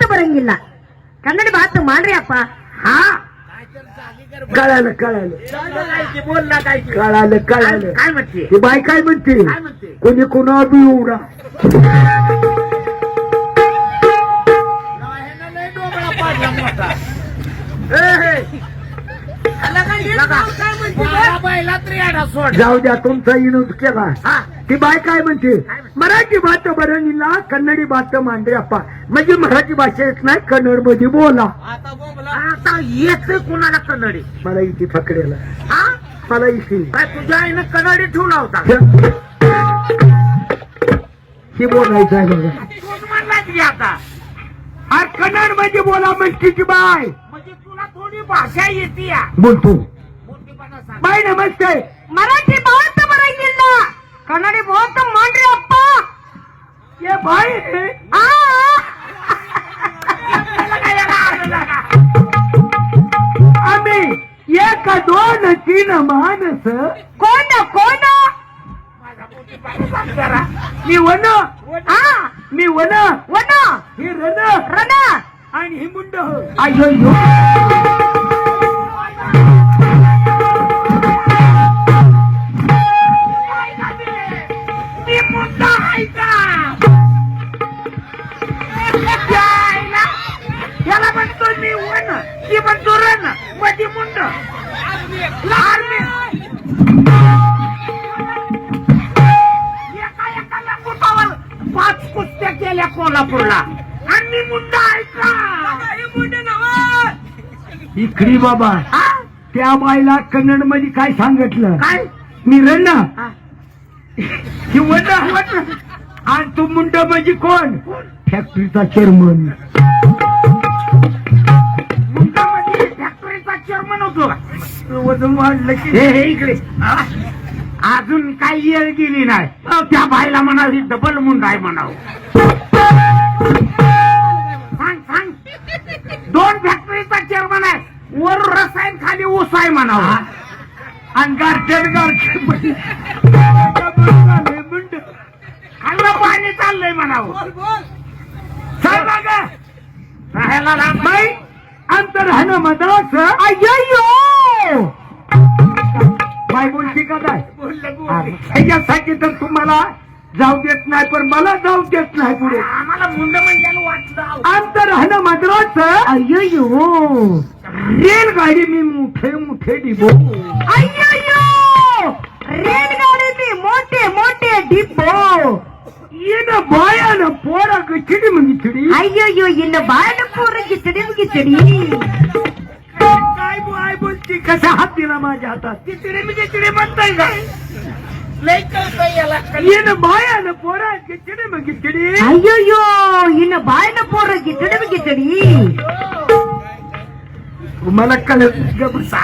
ಬರಂಗಿಲ್ಲ ಕನ್ನಡಿ ಮಾತು ಮಾಡ್ರಿ ಅಪ್ಪ. हा कळालं कळालं बोल ना काय कळालं कळालं. काय म्हणते ती बाई काय म्हणते काय म्हणते कोणी कोणा बी उडा लय डोबळा पाडला मोठा बायला त्रियाडा सोड जाऊ द्या तुमचा विनोद केला. हा ती बाय काय म्हणते मराठी भात बरणीला कन्नडी भात मांडरे अप्पा म्हणजे मराठी भाषा येत नाही कन्नड मध्ये बोला. आता येत कोणाला कन्नडी मला इथे पकडेला हा मला इथे काय तुझ्या आईनं कन्नडी ठेवला होता हे बोलायचं आहे बघा. तूच म्हणला की आता अरे कन्नड मध्ये बोला म्हणते की बाय म्हणजे तुला थोडी भाषा येते या बोलतो मोठीपणा सांग बाय नमस्ते ಮರಾಠಿ ಮಾತು ಬರಂಗಿಲ್ಲ ಕನ್ನಡಿ ಮಾತು ಮಾಡ್ರಿ ಅಪ್ಪ. ये बाय ಆ आम्ही एक दोन तीन माणस ಕೋಣ ಕೋಣ माझा मोठीपणा सांग जरा मी वन ಆ मी वन ವನ हे रण ರಣ आणि हे मुंड अयो मी मुद्दा आहे का याला म्हणतो मी वन ती म्हणतो रण मधी मुंड लहान मी एका एकाला मुठावर 5 कुस्त्या केल्या कोल्हापूरला आणि मी मुंड आहे का मुंड नव इकडी बाबा हा त्या बाईला कन्नड मध्ये काय सांगितलं काय मी रण हा. ही वन आणि तू मुंड म्हणजे कोण फॅक्टरीचा चेअरमन मुंडामध्ये फॅक्टरीचा चेअरमन होतो वजन वाढलं की हे इकडे हा? अजून काही येळ गेली नाही त्या बाईला म्हणाव ही डबल मुंड आहे म्हणाव सांग सांग 2 फॅक्टरीचा चेअरमन आहे वर रसायन खाली ऊस आहे म्हणाव आणि गारठ्यात मध्ये मुंड खाल्लं पाणी चाललंय म्हणाव सांग बघा. राहायला लांब बाई अंतर राहणं मद्रास ಅಯ್ಯಯ್ಯೋ बाई बोलती का काय बोललं बोललं. ह्याच्यासाठी तर तुम्हाला जाऊ देत नाही पण मला जाऊ देत नाही पुढे आम्हाला मुंड म्हणजे वाटलं अंतर राहणं मद्रास ಅಯ್ಯಯ್ಯೋ रेलगाडी मी मोठे मोठे डिबो ಅಯ್ಯಯ್ಯೋ रेलगाडी मोठे मोठे डिपो येणं बायानं पोरा गचिडी म्हणजे चिडी ಅಯ್ಯಯ್ಯೋ ಇನ್ನು ಬಾಳ ಪೂರ ಗಿಚಡಿ ಗಿಚಡಿ काय बाय बोलती कसा हात दिला माझ्या हातात तिकडे मी तिकडे म्हणताय का लय कळतंय याला येणं बायानं पोरा गचिडी म्हणजे चिडी ಅಯ್ಯಯ್ಯೋ ಇನ್ನು ಬಾಳ ಪೂರ ಗಿಚಡಿ ಗಿಚಡಿ मला कळत बसा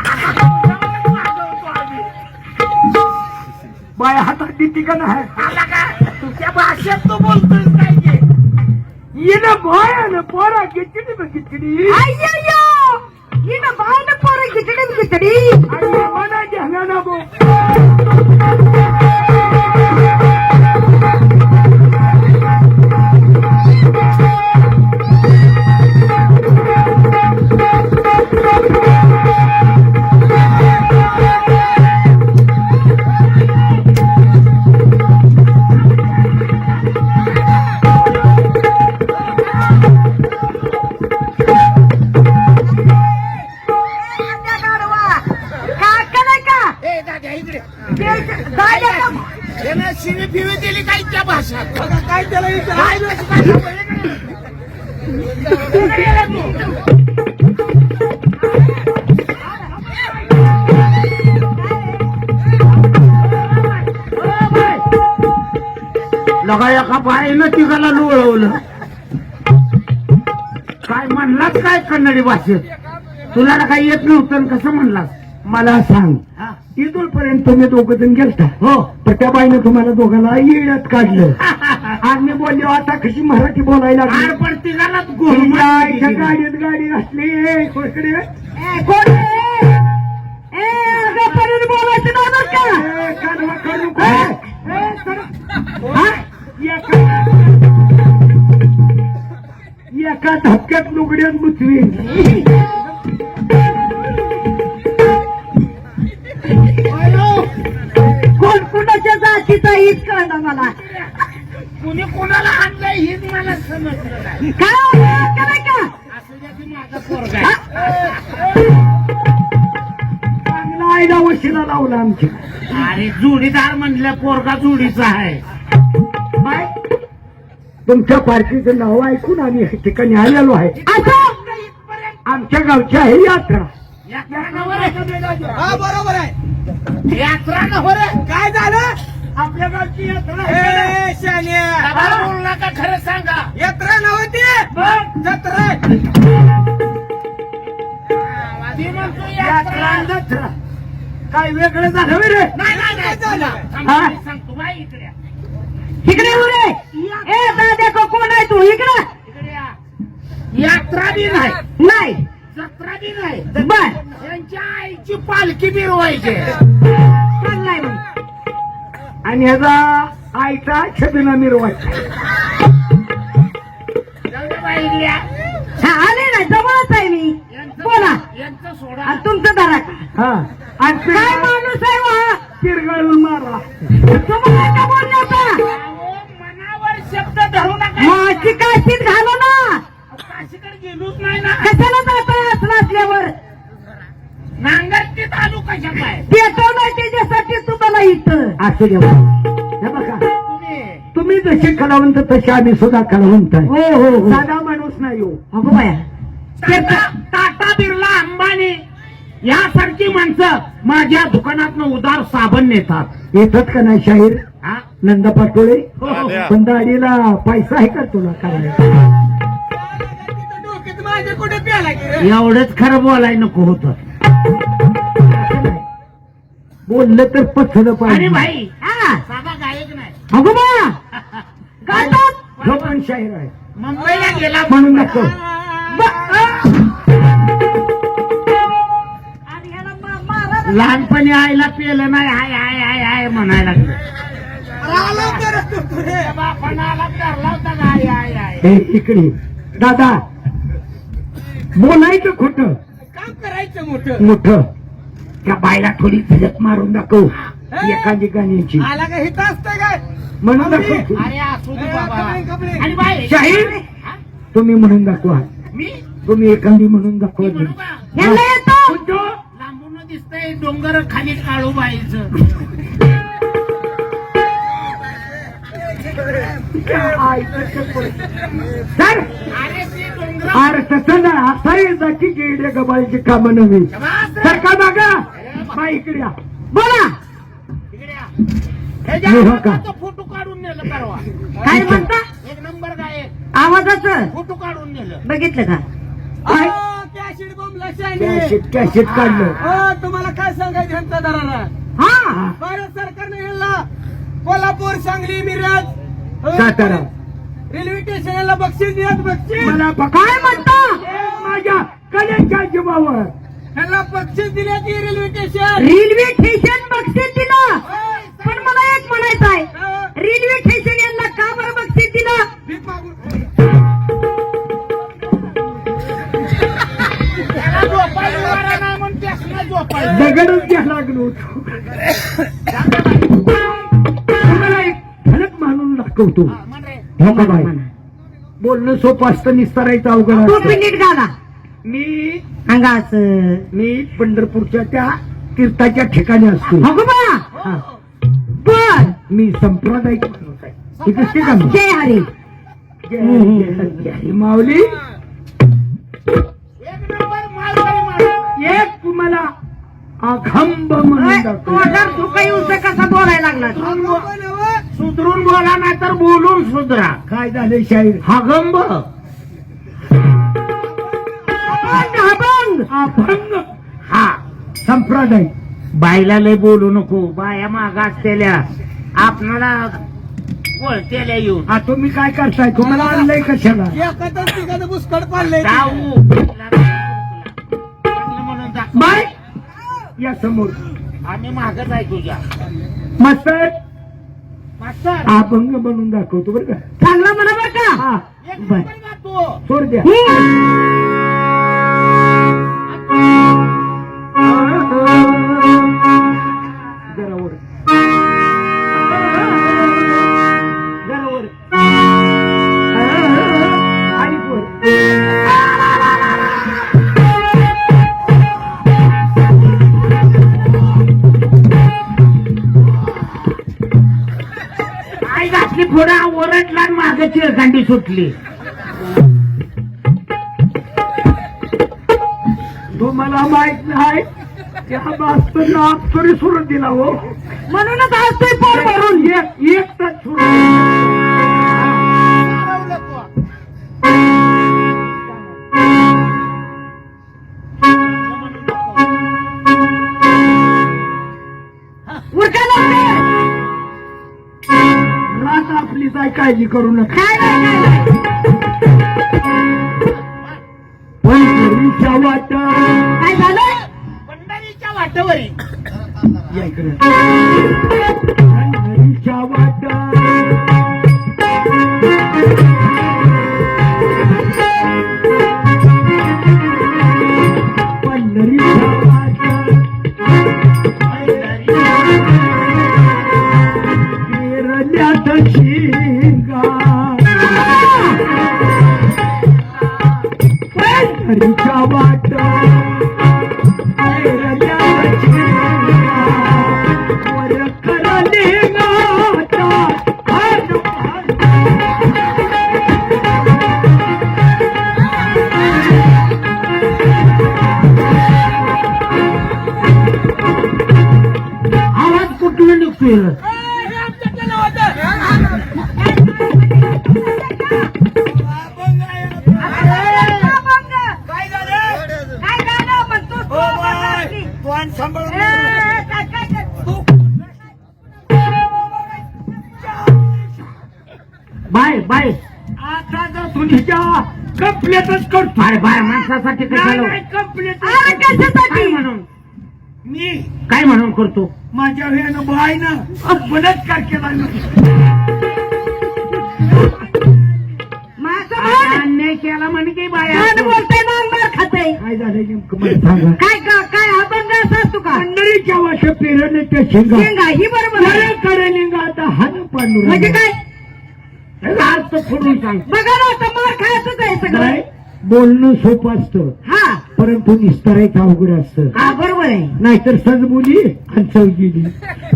बाया हातात देते का नाही आला का तुझ्या भाषेत तू बोलतोय काय ते? येणं बायानं पोरा गचिडी म्हणजे चिडी ಅಯ್ಯಯ್ಯೋ ಇನ್ನು ಬಾಳ ಪೂರ ಗಿಚಡಿ ಗಿಚಡಿ आणि मना घेणार बो ए दादा इकडे त्यानं शिवी फिवी दिली काय त्या भाषात काय त्याला काय लगा एका बाईनं तिघाला लोळवलं काय म्हणलास काय कन्नडी भाषेत तुला काय येत नव्हतं कसं म्हणलास मला सांग इथून पर्यंत तुम्ही दोघं जण गेलता हो तर त्या बाईनं तुम्हाला दोघांना येण्यात काढलं आज मी बोललो आता कशी मराठी बोलायला लागली आड पण तिघालाच तुमच्या गाडीत गाडी असली इकडे बोलायचं नाही बरं का काढवा काढू एका धक्क्यात लुगड्यात बुचवी. कोण कुणाच्या जातीचा हीच कळलं मला. कुणी कोणाला आणलंय हेच मला समजलं नाही. काय का असं द्या की माझा पोरगा आहे. चांगला आईला वशिला लावला आमच्या. अरे जोडीदार म्हणलं पोरगा जोडीचा आहे. बाय, तुमच्या पार्टीचं नाव ऐकून आम्ही या ठिकाणी आलेलो आहे. असं आमच्या गावची आहे यात्रा. यात्रा नव्हे रे. हा बरोबर आहे. यात्रा नव्हे रे. काय झालं? आपल्या गावची यात्रा ए शान्या, आम्हाला बोलू नका, खरं सांगा. यात्रा नव्हती मग जत्रा. ती म्हणतो यात्रा यात्रा. जत्रा. काय वेगळं झालं बे रे? नाही नाही नाही झालं? थांब, हा? मी सांगतो बाई इकडे या. इकडे येऊ रे. ए दादा कोण आहे तू इकडे इकडे या. यात्रा बी नाही, नाही जत्रा बी नाही. बर यांच्या आईची पालखी मिरवायची. चाललाय मग. आणि ह्याचा आईचा छबिना मिरवायचा. जाऊ दे बाई इकडे या. हा आले ना जवळच आहे मी. बोला यांचं सोडा. आणि तुमचं दारा हा, आणि काय माणूस आहे वा तिरगळून मारा. तुम्हाला का बोलले होता अहो, मनावर शब्द धरू नका. माझी काशीत घालो ना. काशीकडे गेलोच नाही ना. कशाला जाताय असला असल्यावर नांगरतीत आलो कशा पाय. पेटवलंय त्याच्यासाठी तुम्हाला इथं. असू द्या. हे बघा, तुम्ही तुम्ही जसे कलावंत तसे आम्ही सुद्धा कलावंत आहे. हो हो हो साधा माणूस नाही हो. अगो बाया टाटा बिर्ला अंबानी यासारखी माणसं माझ्या दुकानातनं उदार साबण नेतात. येतात का नाही शाहीर हा? नंदा पाटोळे? हो, हो. पण दाढीला पैसा आहे का तुला काय? डोक्यात माझ्या कुठे प्याला की रे? एवढंच खरं बोलाय नको होत. बोललं तर पचलं अरे पाहिजे. भाई हा साधा गायक नाही. अगो बा गातात जो पण शाहीर आहे मुंबईला गेला म्हणून नको. आणि ह्याला मारा. लहानपणी आईला पेलं नाही. हाय हाय हाय हाय म्हणायला लागलं. आलो करत होतो रे. बापानाला धरला होता का हाय हाय हाय. हे इकडे दादा, बोलायचं खोट काम करायचं मोठं. मोठ. त्या बायला थोडी झलक मारून दाखव एखादी गाण्याची. आला का हित असतं काय? म्हणून दाखव. अरे असू दे बाबा. कपडे, कपडे. आणि बाई शाहीर हा? तुम्ही म्हणून दाखवा. मी तुम्ही एखादी म्हणून दाखवा. मी म्हणू का? ह्याला येतो लांबून दिसतंय डोंगर खाली काळू बाईचं. सर, अरे ते डोंगर अरे तसं ना असा जाती गेले गबाळीची कामं नव्हे. सर का मागा बाई इकडे या. बोला हो का? फोटो काढून नेलं परवा. काय म्हणता एक नंबर काय आवाजाचं फोटो काढून नेलं. बघितलं का काय? कॅशिट बोंबला शाने. कॅशेट काढलं. तुम्हाला काय सांगायचं ह्यांचा दरारा? हा भारत सरकारने ह्याला कोल्हापूर, सांगली, मिरज, सातारा. रेल्वे स्टेशनला बक्षीस देत. बक्षीस मला काय म्हणता माझ्या कलेच्या जीवावर ह्याला बक्षीस दिले ती रेल्वे स्टेशन. रेल्वे स्टेशन बक्षीस दिलं. पण मला एक म्हणायचं आहे रेल्वे स्टेशन यांना का बरं बक्षीस दिलं. भीक मागून. त्याला झोपायला वारा नाही म्हणून त्यासला झोपायला. दगडच घ्या लागलो होतो. तुम्हाला एक झलक मानून दाखवतो. म्हण रे. हो का बाई? बोलणं सोपं असतं, निस्तारायचं अवघड टोपी असतं. नीट घाला मी अंगाच मी पंढरपूरच्या त्या तीर्थाच्या ठिकाणी असतो. अगो बा हा. बर मी संप्रदायिक माणूस आहे. हे दिसते का मी? जय हरी जय हरी माऊली. एक नंबर मालगाडी माणूस. एक तुम्हाला अखंब म्हणून दाखवतो. तोंडावर धुका येऊ कसा बोलायला लागला सुधरून बोला नाही तर बोलून सुधरा. काय झाले शाहीर? हागंब अभंग अभंग हा. संप्रदाय. बायला लय बोलू नको. बाया माग असलेल्या आपणाला वळतेल्या येऊन हा तुम्ही काय करताय? तुम्हाला आणलंय कशाला? एखादं तिघांचं बुसकट पाडलंय. जाऊ म्हणून दाखव. बाय या समोर आम्ही मागच आहे तुझ्या. मास्तर मास्तर अभंग म्हणून दाखवतो बरं का. चांगला म्हणा बरं का हा एक बर. नंबर गातो. तू सोड द्या जरा वर जरा वर आणि वर आई घातली थोडा ओरडला मागे चिरकांडी सुटली. तुम्हाला माहित नाही त्या मास्तरला अप्सरी सोडून दिला हो म्हणूनच असतोय पोर भरून. एक तास सोडून हरवलं तू उरका लवकर. रात आपली काय काळजी करू नका काय नाही काय नाही. पंढरीच्या वाटा काय झालं? पंढरीच्या वाटेवरी या इकडे पंढरीच्या वाटा पंढरीच्या वाटा केरल्यात शिंगा पंढरीच्या वाटा केरल्यात शिंगा वर करले गाता हर आवाज कुठून निघतोय? काय झालं काय झालं? पण तू हो बाय तू आणि सांभाळून काय काय काय? बाय बाय आता जर तुझ्या कंप्लेटच करतो बाय बाय माणसासाठी कशाला कंप्लेट अरे कशासाठी? काय म्हणून मी काय म्हणून करतो? माझ्या वेळेनं बायनं बलात्कार केला माझं आता मन अन्याय केला म्हणे की बाय मन बोलतंय ना अंगावर खातंय. काय झालं नेमकं मला सांगा काय काय अभंग असतो का? पंढरीच्या वाट पेरले त्या शेंगा शेंगा ही बरोबर आहे. करेलिंगा आता हात पांडू म्हणजे काय? अर्थ फोडून सांग. बघा ना आता मार खायचंच आहे काय सगळं. बोलणं सोपं असतं हा परंतु निस्तारायचं अवघड असतं हा बरोबर आहे. नाहीतर सजबुली आणि चौगिली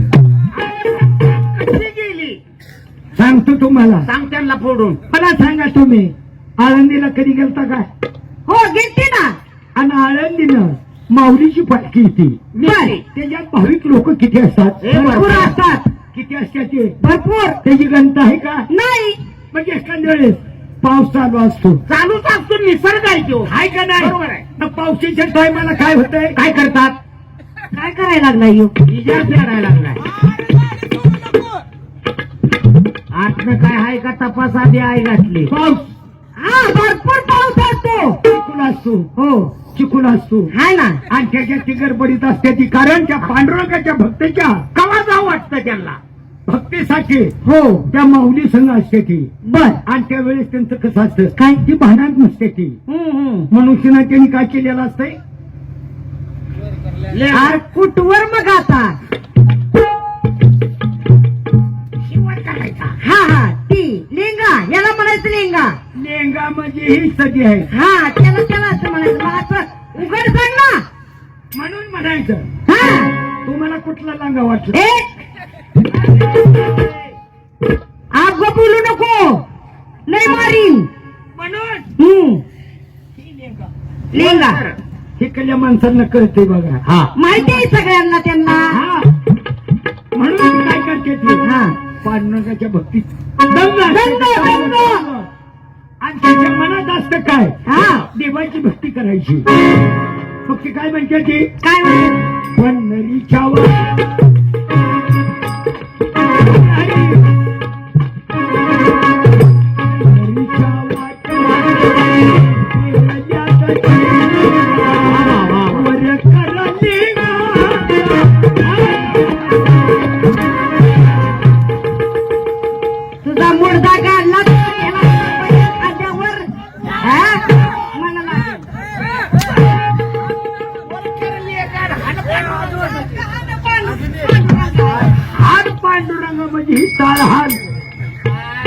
कशी गेली सांगतो तुम्हाला सांग त्यांना फोडून. मला सांगा तुम्ही आळंदीला कधी गेलता का हो घेते ना. आणि आळंदीनं माऊलीची पालखी येते बर त्याच्यात भाविक लोक किती असतात हे बरोबर. भरपूर असतात. किती असतात ते भरपूर त्याची गणता आहे का नाही. म्हणजे एखाद्या वेळेस पाऊस चालू असतो चालूच असतो निसर्ग आहे तो. आहे का नाही बरोबर आहे. मग पावसाच्या टायमाला काय होतंय काय करतात? काय करायला लागला येऊ? इजा फेरायला लागलाय. आतनं काय आहे का तपास आधी आई घातली. पाऊस हा भरपूर पाऊस असतो. चिकूल असतो हो चिकूल असतो हाय ना. आणि त्याच्यात ती गडबडीत असते ती कारण त्या पांडुरंगाच्या भक्ताच्या कवा जाऊ वाटतं त्यांना. भक्तीसाठी हो त्या माऊली संघ असते ती बर आणि त्यावेळेस त्यांचं कसं असतं काय? ती भांडण नसते ती मनुष्यानं त्यांनी काय केलेलं असतंय अरे कुठवर मग आता? शिवाय करायचा. हा हा ती लेंगा याला म्हणायचं लेंगा. लेंगा म्हणजे ही सदी आहे हा त्याला असं म्हणायचं. मग असं उघड सांग ना. म्हणून म्हणायचं हा तुम्हाला कुठला लांगा वाटला ए आग बोलू नको लय मारीन. म्हणून लेंगा इकडल्या माणसांना कळते बघा हा माहिती आहे सगळ्यांना त्यांना. हा म्हणून काय करते ती हा पांडुरंगाच्या भक्तीत दंग असते. दंग. आणि त्याच्या मनात असतं काय हा देवाची भक्ती करायची मग ती काय म्हणते ती काय म्हणते? पंढरीच्या वाट पंढरीच्या वाट वर करले तुझा मुडदा काढला तर याला खांद्यावर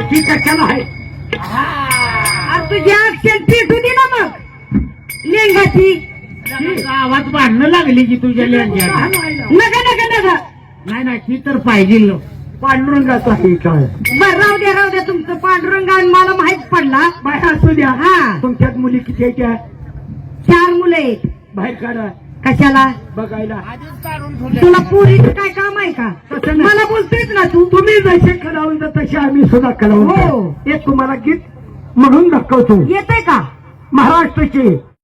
ती कशाला आहे आज तुझी ऍक्शन फिट होती ना मग लेंगाची. गावात भांडणं लागली की तुझ्या लेंग्याला. नका नका नका. नाही नाही ती तर पाहिजे. पांडुरंगाचा हे काय बर राहू द्या तुमचं पांडुरंग आणि मला माहित पडला. बाय असू द्या. हा तुमच्यात मुली किती आहेत त्या? 4 मुलं आहेत. बाहेर काढा कशाला? बघायला. आधीच काढून ठेवले. तुला पोरीचं काय काम आहे का? तसं नाही. मला बोलतोयच ना तू. तुम्ही जसे कलावंत तसे आम्ही सुद्धा हो. कलावंत. एक तुम्हाला गीत म्हणून दाखवतो. येतंय का? महाराष्ट्राचे